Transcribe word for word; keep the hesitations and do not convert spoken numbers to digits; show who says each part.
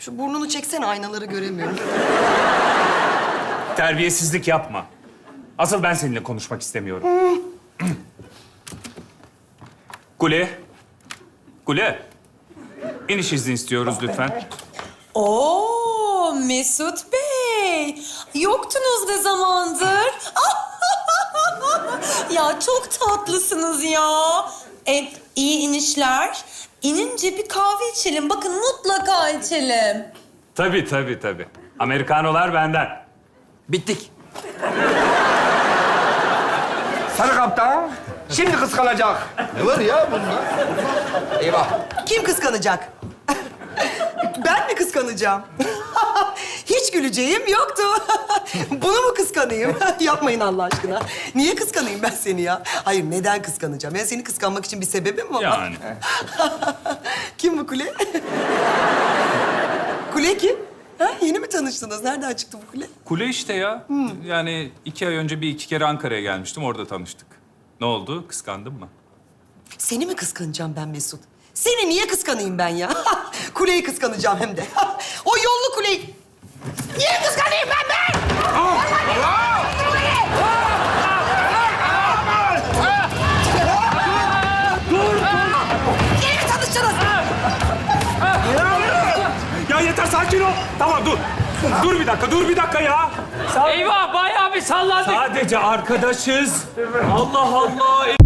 Speaker 1: Şu burnunu çeksene, aynaları göremiyorum.
Speaker 2: Terbiyesizlik yapma. Asıl ben seninle konuşmak istemiyorum. Kule. Kule. İniş izni istiyoruz lütfen.
Speaker 3: Oo Mesut Bey. Yoktunuz ne zamandır? Ya çok tatlısınız ya. E, iyi inişler. İnince bir kahve içelim. Bakın mutlaka içelim.
Speaker 2: Tabii, tabii, tabii. Amerikanolar benden.
Speaker 4: Bittik. Sarı kaptan şimdi kıskanacak.
Speaker 5: Ne var ya bunda?
Speaker 4: Eyvah.
Speaker 1: Kim kıskanacak? Ben mi kıskanacağım? Hiç güleceğim yoktu. Bunu mu kıskanayım? Yapmayın Allah aşkına. Niye kıskanayım ben seni ya? Hayır, neden kıskanacağım? Yani seni kıskanmak için bir sebebim mi var?
Speaker 2: Yani.
Speaker 1: Kim bu Kule? Kule kim? Ha, yeni mi tanıştınız? Nereden çıktı bu Kule?
Speaker 2: Kule işte ya. Yani iki ay önce bir iki kere Ankara'ya gelmiştim. Orada tanıştık. Ne oldu? Kıskandın mı?
Speaker 1: Seni mi kıskanacağım ben Mesut? Seni niye kıskanayım ben ya? Kuleyi kıskanacağım hem de. O yollu Kuleyi. Niye kıskanayım ben be? Yeni mi tanıştınız?
Speaker 2: Ya yeter, sakin ol. Tamam, dur. Dur bir dakika, dur bir dakika ya.
Speaker 6: Eyvah bayağı bir sallandık.
Speaker 2: Sadece arkadaşız. Allah Allah.